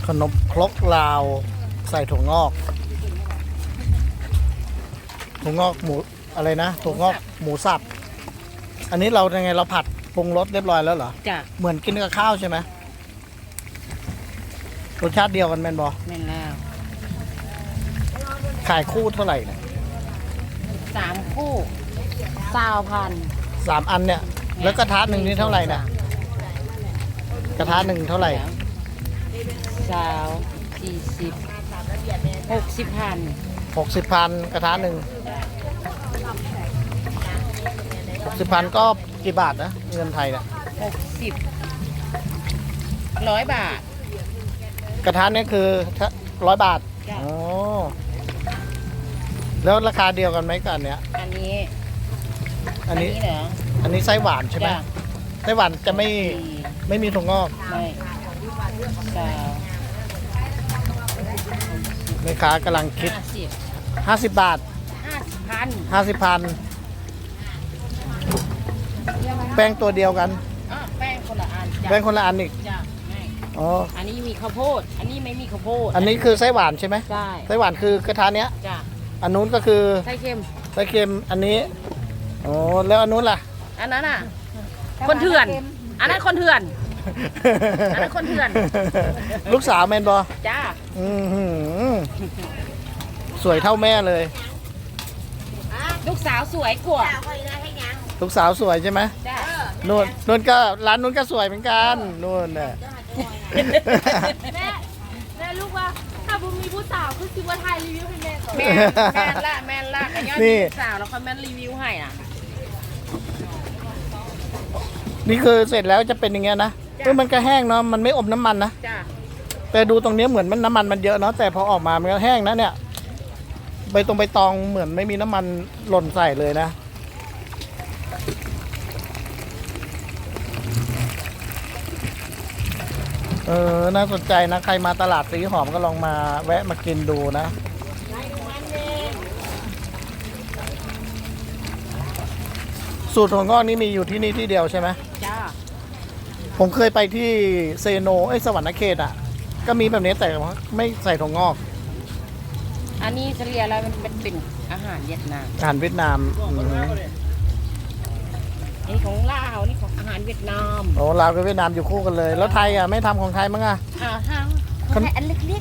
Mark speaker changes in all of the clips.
Speaker 1: ขนมครกลาวใส่ถั่วงอกหมูอะไรนะถั่วงอกหมูสับอันนี้เรายังไงเราผัดปรุงรสเรียบร้อยแล้วเหรอ
Speaker 2: จ้ะ
Speaker 1: เหมือนกินกับข้าวใช่ไหมรสชาติเดียวกันแม่นบอ
Speaker 2: แม่นแล้ว
Speaker 1: ขายคู่เท่าไหร่เนี่ย
Speaker 2: 3 คู่20,000
Speaker 1: 3 อันเนี่ยแล้วกระทะหนึ่งนี่เท่าไหร่เนี่ยกระทะหนึ่งเท่าไหร่
Speaker 2: 60,000
Speaker 1: 60,000กระทะหนึ่ง60,000ก็กี่บาทนะเงินไทยเนี่ย
Speaker 2: 100 บาท
Speaker 1: กระทะเนี่ยคือ100 บาท
Speaker 2: จ้ะ
Speaker 1: อ๋อแล้วราคาเดียวกันไหมกับอันเนี้ย
Speaker 2: อันนี้
Speaker 1: อันนี้
Speaker 2: เหรอ
Speaker 1: อันนี้ไส้หวานใช่ไหม
Speaker 2: จ้ะ
Speaker 1: ไส้หวานจะไม่
Speaker 2: ดี
Speaker 1: ไม่มีถั่วงอก
Speaker 2: ไม่สาว
Speaker 1: แม่ค้ากำลังคิด
Speaker 2: 50
Speaker 1: 50 บาท
Speaker 2: 50,000
Speaker 1: 50,000แป้งตัวเดียวกัน
Speaker 2: แป้งคนละอันจ้ะ
Speaker 1: แป้งคนละอันอีก
Speaker 2: จ้ะไม่
Speaker 1: อ๋อ
Speaker 2: อันนี้มีข้าวโพด อันนี้ไม่มีข้าวโพด
Speaker 1: อันนี้คือไส้หวานใช่ไหม
Speaker 2: ใช่
Speaker 1: ไส้หวานคือกระทะเนี้ย
Speaker 2: จ้ะ
Speaker 1: อันนู้นก็คือ
Speaker 2: ไส้เค็ม
Speaker 1: ไส้เค็มอันนี้อ๋อแล้วอันนู้นล่ะ
Speaker 2: อันนั้นอ่ะ คนเถื่อน อันนั้นคนเถื่อน อันนั้นคนเถื่อน
Speaker 1: ลูกสาวแมนบอ
Speaker 2: จ้า
Speaker 1: อื้อหือสวยเท่าแม่เลย
Speaker 2: ลูกสาวสวยกว่า
Speaker 1: ลูกสาวสวยใช่ไหม
Speaker 2: จ้า
Speaker 1: นู่นก็ร้านนู้นก็สวยเหมือนกันนู่นน่ะ
Speaker 3: แม่ลูกว่าถ้าบุมมีผู้สาวคือคิดว่าไทยรีวิวให้แม่ก่อน
Speaker 2: แม่แม่ละกันยอด
Speaker 1: นี่
Speaker 2: ลูกสาวแล้วเขาแม่รีวิวให้อ่ะ
Speaker 1: นี่คือเสร็จแล้วจะเป็นอย่างเงี้ยนะมันก็แห้งเนาะมันไม่อมน้ำมันนะ
Speaker 2: จ้า
Speaker 1: แต่ดูตรงนี้เหมือนมันน้ำมันมันเยอะเนาะแต่พอออกมามันก็แห้งนะเนี่ยใบตองเหมือนไม่มีน้ำมันหล่นใส่เลยนะน่าสนใจนะใครมาตลาดสีหอมก็ลองมาแวะมากินดูนะสูตรถั่วงอกนี่มีอยู่ที่นี่ที่เดียวใช่ไหม
Speaker 2: จ้า
Speaker 1: ผมเคยไปที่เซโนสวรรณเขตอ่ะก็มีแบบนี้แต่ว่าไม่ใส่ถั่วงอก
Speaker 2: อันนี้เฉลี่ยแล้วมันเป็นอาหารเวียดนาม
Speaker 1: อาหารเวียดนาม
Speaker 2: อันนี้ของลาวนี่ของอาหารเวียดนาม
Speaker 1: โอ้ลาวกับเวียดนามอยู่คู่กันเลย แล้วไทยอ่ะไม่ทำของไทยมั้งอ่ะ
Speaker 2: ทางของไทยอันเล็ก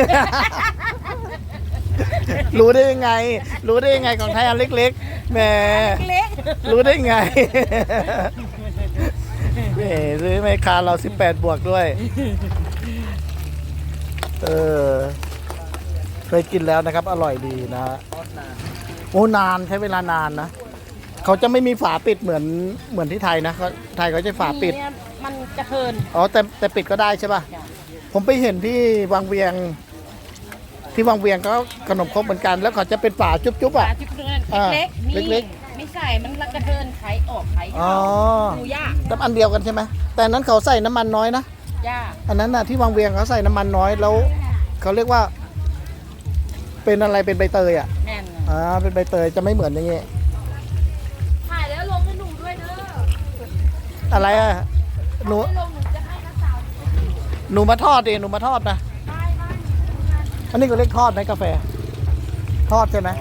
Speaker 1: รู้ได้ยังไง รู้ได้ยังไงของไทยอันเล็กๆแหม
Speaker 2: ๆเล็ก
Speaker 1: รู้ได้ไงแหมซื้อไม่คาเรา18 บวกด้วยเคยกินแล้วนะครับอร่อยดีนะโอ้นานใช้เวลานานนะเขาจะไม่มีฝาปิดเหมือนที่ไทยนะไทยเขาจะฝาปิด
Speaker 2: เนี่ยมันกระเทิน
Speaker 1: อ๋อแต่ปิดก็ได้ใช่ป่ะ
Speaker 2: จ้ะ
Speaker 1: ผมไปเห็นที่วังเวียงก็ขนมครกเหมือนกัน แล้วเขาจะเป็นฝาจุ๊บๆ
Speaker 2: ปลา
Speaker 1: อ่ะ
Speaker 2: ที่เพื่อน
Speaker 1: อ่า
Speaker 2: เล็กๆนี่
Speaker 1: เล็ก
Speaker 2: ไม่ใส่มันกระเทินไข่ออกไข่
Speaker 1: อ๋อ
Speaker 2: เข้าดูยาก
Speaker 1: แต่อันเดียวกันใช่ไหมแต่อันนั้นเขาใส่น้ำมันน้อยนะ
Speaker 2: ยาก
Speaker 1: อันนั้นน่ะที่วังเวียงเขาใส่น้ำมันน้อยแล้วเขาเรียกว่า เป็นอะไรเป็นใบเตยอ่ะ
Speaker 2: แน่น
Speaker 1: เป็นใบเตยจะไม่เหมือนอย่างงี้
Speaker 3: ถ่ายแล้วลงให้หนูด้วยเด้อ
Speaker 1: อะไรอ่ะหนู
Speaker 3: ให้ลงหนูจะให้นักสาว
Speaker 1: หนูมาทอดดิหนูมาทอดนะ
Speaker 3: ได้ได้
Speaker 1: อันนี้ก็เรียกทอดไหมกาแฟ ทอดใช่ไหม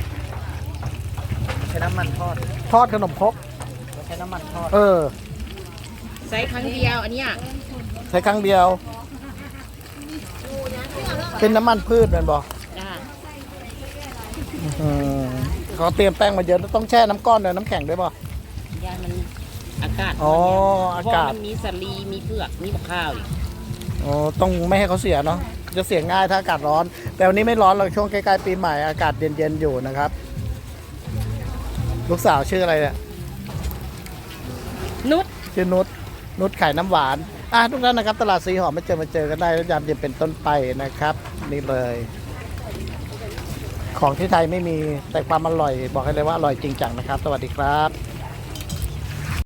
Speaker 4: ใช้น้ำมันทอด
Speaker 1: ทอดขนมครก
Speaker 4: ใช้น้ำมันทอด
Speaker 2: ใส่ครั้งเดียวอันเนี้ย
Speaker 1: ใช้ครั้งเดียว เป็นน้ำมันพืชแมันบอก
Speaker 2: จ้า
Speaker 1: เขาเตรียมแป้งมาเยอะต้องแช่น้ำก้อนด้วยน้ำแข็งด้วยป่ะ
Speaker 2: ยามันอากาศ
Speaker 1: อ๋อ
Speaker 2: มัน
Speaker 1: อากาศ
Speaker 2: เพระมันมีสาลีมีเผือกมีบักข้าวอีก
Speaker 1: อ๋อต้องไม่ให้เขาเสียเนาะจะเสียง่ายถ้าอากาศร้อน แต่วันนี้ไม่ร้อนเราช่วงใกล้ๆปีใหม่อากาศเย็นๆอยู่นะครับ ลูกสาวชื่ออะไรเนี่ย
Speaker 2: นุช
Speaker 1: ชื่อนุชขายน้ำหวานทุกท่านนะครับตลาดสีหอมมาเจอกันได้แล้วยามเย็นเป็นต้นไปนะครับ นี่เลย ของที่ไทยไม่มีแต่ความอร่อยบอกให้เลยว่าอร่อยจริงจังนะครับ สวัสดีครับ